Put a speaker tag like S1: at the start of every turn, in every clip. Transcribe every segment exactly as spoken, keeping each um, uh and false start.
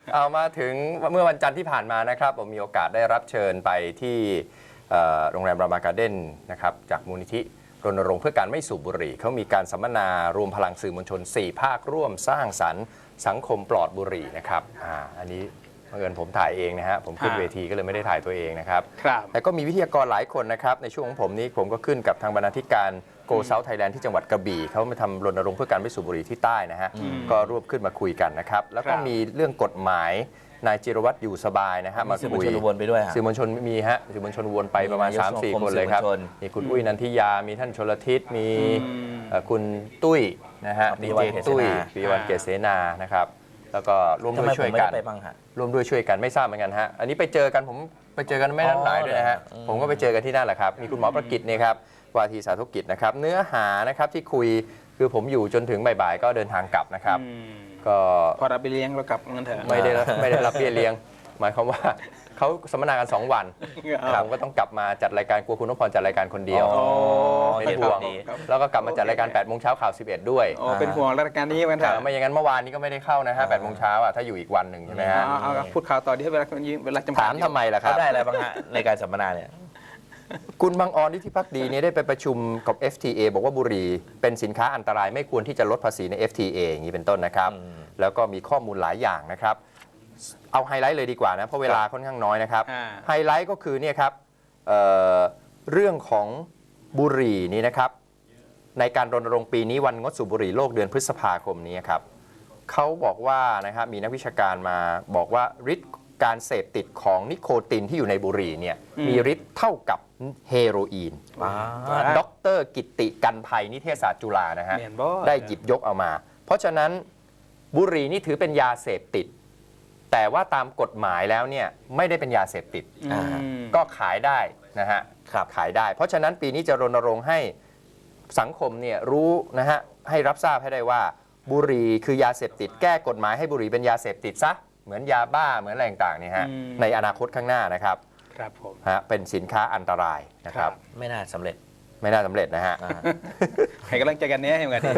S1: เอามาถึงเมื่อวันจันทร์ที่ผ่านมานะครับผมมีโอกาสได้รับเชิญไปที่โรงแรมรามาการ์เด้นนะครับจากมูลนิธิรณรงค์เพื่อการไม่สูบบุหรี่เขามีการสัมมนารวมพลังสื่อมวลชนสี่ภาคร่วมสร้างสรรค์สังคมปลอดบุหรี่นะครับอ่าอันนี้บังเอิญผมถ่ายเองนะฮะผมขึ้นเวทีก็เลยไม่ได้ถ่ายตัวเองนะครับแต่ก็มีวิทยากรหลายคนนะครับในช่วงของผมนี้ผมก็ขึ้นกับทางบรรณาธิการโกเซาท์ไทยแลนด์ที่จังหวัดกระบี่เขามาทำรณรงค์เพื่อการไม่สูบบุหรี่ที่ใต้นะฮะก็รวบขึ้นมาคุยกันนะครับแล้วก็มีเรื่องกฎหมายนายจิรวัตรอยู่สบายนะฮะมาคุยสื่อมวลชนวนไปด้วยสื่อมวลชนมีฮะสื่อมวลชนวนไปประมาณ สามสี่ คนเลยครับมีคุณอุ้ยนันทิยามีท่านชลทิศมีคุณตุ้ยนะฮะดีเจตุ้ยปีวันเกษเสนานะครับแล้วก็ร่วมด้วยช่วยกันร่วมด้วยช่วยกันไม่ทราบเหมือนกันฮะอันนี้ไปเจอกันผมไปเจอกันไม่นานหลายด้วยนะฮะผมก็ไปเจอกันที่นั่นแหละครับมีคุณหมอประกิตเนี่ยครับวาทีสาธกิจนะครับเนื้อหานะครับที่คุยคือผมอยู่จนถึงบ่ายๆก็เดินทางกลับนะครับก็
S2: พอรับไปเลี้ยงเรากลับเงินเถอะ
S1: ไม่ได้ไม่ได้รับเบี้ยเลี้ยงหมายความว่าเขาสัมมนากันสองวันผมก็ต้องกลับมาจัดรายการกลัวคุณนพพรจัดรายการคนเดียวเป็นห่วงแล้วก็กลับมาจัดรายการแปดโมงเช้าข่าวสิบเอ็ดด้วย
S2: เป็นห่วงรายการนี้กันเถอะ
S1: ไม่อย่างนั้นเมื่อวานนี้ก็ไม่ได้เข้านะฮะแปดโมงเช้าอ่ะถ้าอยู่อีกวันหนึ่งใช่ไหมฮะ
S2: พูดข่าวต่อที่เวลาเวลาจำกัด
S1: ถามทำไมล่ะครับ
S3: ได้อะไรบ้างฮะในการสัมมนาเนี่ย
S1: คุณบางออนที่พักดีเนี่ยได้ไปประชุมกับ เอฟ ที เอ บอกว่าบุหรี่เป็นสินค้าอันตรายไม่ควรที่จะลดภาษีใน เอฟ ที เอ อย่างนี้เป็นต้นนะครับแล้วก็มีข้อมูลหลายอย่างนะครับเอาไฮไลท์เลยดีกว่านะเพราะเวลาค่อนข้างน้อยนะครับไฮไลท์ก็คือเนี่ยครับ เอ่อ เรื่องของบุหรี่นี่นะครับในการรณรงค์ปีนี้วันงดสูบบุหรี่โลกเดือนพฤษภาคมนี้ครับเขาบอกว่านะครับมีนักวิชาการมาบอกว่าฤทธิ์การเสพติดของนิโคตินที่อยู่ในบุหรี่เนี่ยมีฤทธิ์เท่ากับเฮโรอีนด็อกเตอร์กิตติกันภัยนิเทศศาสตร์จุฬานะฮะได้หยิบยกเอามาเพราะฉะนั้นบุหรี่นี่ถือเป็นยาเสพติดแต่ว่าตามกฎหมายแล้วเนี่ยไม่ได้เป็นยาเสพติดก็ขายได้นะฮะขายได้เพราะฉะนั้นปีนี้จะรณรงค์ให้สังคมเนี่ยรู้นะฮะให้รับทราบให้ได้ว่าบุหรี่คือยาเสพติดแก้กฎหมายให้บุหรี่เป็นยาเสพติดซะเหมือนยาบ้าเหมือนอะไรต่างๆนี่ฮะในอนาคตข้างหน้านะครับ
S2: ครับผม
S1: ฮะเป็นสินค้าอันตรายนะครับ
S3: ไม่น่าสำเร็จ
S1: ไม่น่าสำเร็จนะฮะ
S2: ให้กำลังใจกันเนี้ยเหมือนกัน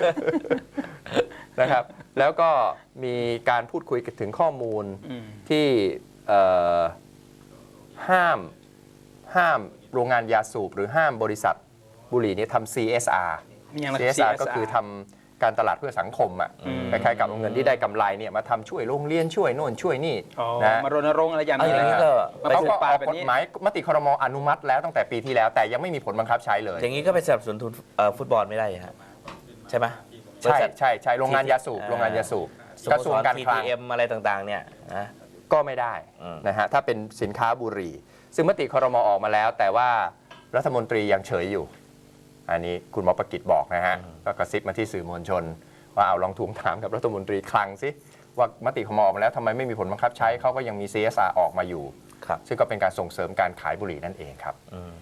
S1: นะครับแล้วก็มีการพูดคุยถึงข้อมูลที่ห้ามห้ามโรงงานยาสูบหรือห้ามบริษัทบุหรี่นี้ทำ ซี เอส อาร์ ซี เอส อาร์ ก็คือทำการตลาดเพื่อสังคมอ่ะคล้ายๆกับเงินที่ได้กำไรเนี่ยมาทำช่วยโรงเรียนช่วยโน่นช่วยนี่
S2: นะมารณรงค์อะไรอย่างนี้
S1: ก็เขาก็ออกกฎหมายมติครม.อนุมัติแล้วตั้งแต่ปีที่แล้วแต่ยังไม่มีผลบังคับใช้เลย
S3: อย่างนี้ก็ไปสนับสนุนฟุตบอลไม่ได้ฮะใช่ไหม
S1: ใช่ใช่ใช่โรงงานยาสูบโรงงานยาสูบกระทรวงการคลัง
S3: ที ที เอ็ม อะไรต่างๆเนี่ยนะ
S1: ก็ไม่ได้นะฮะถ้าเป็นสินค้าบุหรี่ซึ่งมติครม.ออกมาแล้วแต่ว่ารัฐมนตรียังเฉยอยู่อันนี้คุณหมอประกิตบอกนะฮะก็กระซิบมาที่สื่อมวลชนว่าเอาลองทวงถามกับรัฐมนตรีคลังสิว่ามติครม.ออกมาแล้วทำไมไม่มีผลบังคับใช้เขาก็ยังมี ซี เอส อาร์ ออกมาอยู่ซึ่งก็เป็นการส่งเสริมการขายบุหรี่นั่นเองครับ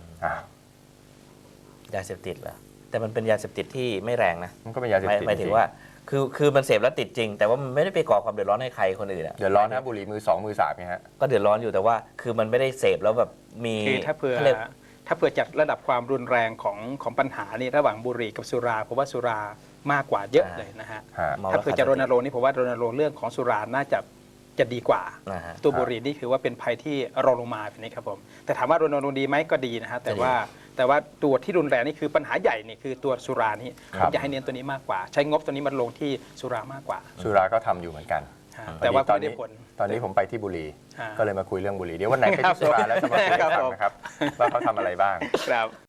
S3: ยาเสพติดเหรอแต่มันเป็นยาเสพติดที่ไม่แรงนะ
S1: มันก็เป็นยาเสพติด
S3: หมายถึงว่าคือคือมันเสพแล้วติดจริงแต่ว่ามันไม่ได้ไปก่อความเดือดร้อนให้ใครคนอื่น
S1: เดือดร้อนนะบุหรี่มือสองมือสามเนี่ยฮะ
S3: ก็เดือดร้อนอยู่แต่ว่าคือมันไม่ได้เสพแล้วแบบมี
S2: คือถ้าเผื่อถ้าเผื่อจัดระดับความรุนแรงของของปัญหานี่ระหว่างบุหรี่กับสุราผมว่าสุรามากกว่าเยอะเลยนะฮะถ้าเผื่อจะรณรงค์นี่ผมว่ารณรงค์เรื่องของสุราน่าจะจะดีกว่าตัวบุหรี่นี่คือว่าเป็นภัยที่รองลงมาแบบนี้ครับผมแต่ถามว่ารณรงค์ดีไหมก็ดีนะฮะแต่ว่าแต่ว่าตัวที่รุนแรงนี่คือปัญหาใหญ่นี่คือตัวสุรานี่ผมจะให้เน้นตัวนี้มากกว่าใช้งบตัวนี้มันลงที่สุรามากกว่า
S1: สุราก็ทำอยู่เหมือนกัน
S2: แต่ว่าตอนนี้
S1: ตอนนี้ผมไปที่บุรีก็เลยมาคุยเรื่องบุรีเดี๋ยววันไหนไปที่สุราแล้วจะมาคุยให้ฟังนะครับว่าเขาทำอะไรบ้าง
S2: ครับ